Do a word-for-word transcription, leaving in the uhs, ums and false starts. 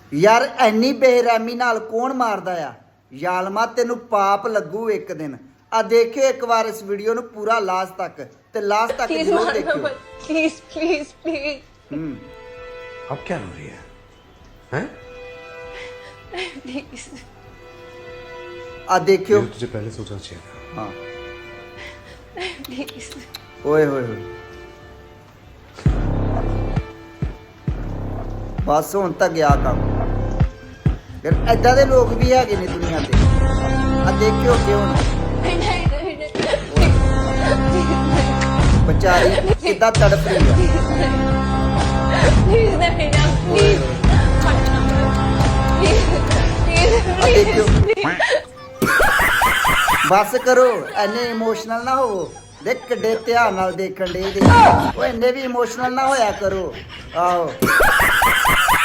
यार एनी बेरहमी नाल कौन मारदा आ यालमा तेनू पाप लगू एक दिन आ देखियो एक बार इस वीडियो नु पूरा लास्ट तक ते लास्ट तक जरूर देखियो प्लीज प्लीज प्लीज हम्म अब क्या हो रही है हैं प्लीज आ देखियो ये तुझे पहले सोचना चाहिए था हाँ प्लीज ओए होए होए बस हुण तक गया काम फिर ऐदा दे लोग भी हैगे ने दुनिया ते आ देखियो क्यों बेचारी कितना तड़प रही है प्लीज नहीं ना प्लीज आ देखियो बस करो एने इमोशनल ना हो देख किड्डे ध्यान नाल देखण दे ओए इन्ने भी इमोशनल ना होया करो आओ